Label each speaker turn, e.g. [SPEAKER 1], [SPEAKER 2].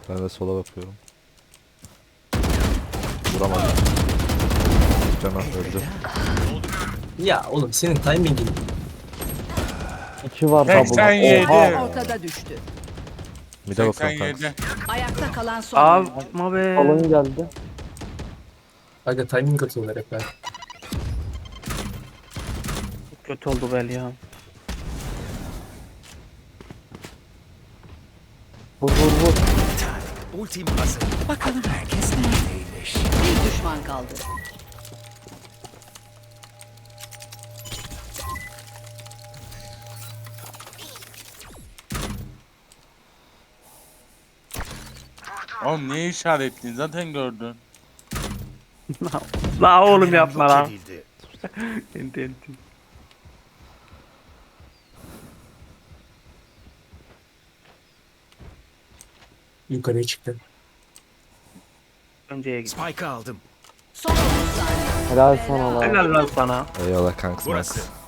[SPEAKER 1] Ben de sola bakıyorum. Vuramadım. Cana öldü.
[SPEAKER 2] Ya oğlum senin timingin.
[SPEAKER 3] 2 var double.
[SPEAKER 4] 87.
[SPEAKER 3] Oha.
[SPEAKER 5] Ortada düştü.
[SPEAKER 1] Mide bakıyorum kanka.
[SPEAKER 4] 87.
[SPEAKER 5] Ayakta kalan son oyuncu.
[SPEAKER 6] Yapma be.
[SPEAKER 3] Salon geldi.
[SPEAKER 2] Aga timing atıyorlar hep ben.
[SPEAKER 6] Çok kötü oldu bel ya.
[SPEAKER 3] Vur vur vur.
[SPEAKER 7] Ultim hazır.
[SPEAKER 5] Bakalım herkes neredeymiş. Bir düşman kaldı.
[SPEAKER 4] Oğlum niye işaretledin? Zaten gördün.
[SPEAKER 6] La oğlum
[SPEAKER 7] Kameram
[SPEAKER 6] yapma
[SPEAKER 7] yok
[SPEAKER 6] lan.
[SPEAKER 7] edildi.
[SPEAKER 6] Enti enti.
[SPEAKER 2] Yukarıya çıktı.
[SPEAKER 6] Önceye git.
[SPEAKER 7] Spike'ı aldım.
[SPEAKER 5] Son 30 saniye.
[SPEAKER 3] Helal sana lan.
[SPEAKER 6] Helal lan sana.
[SPEAKER 1] Eyvallah kanka.
[SPEAKER 7] Burası.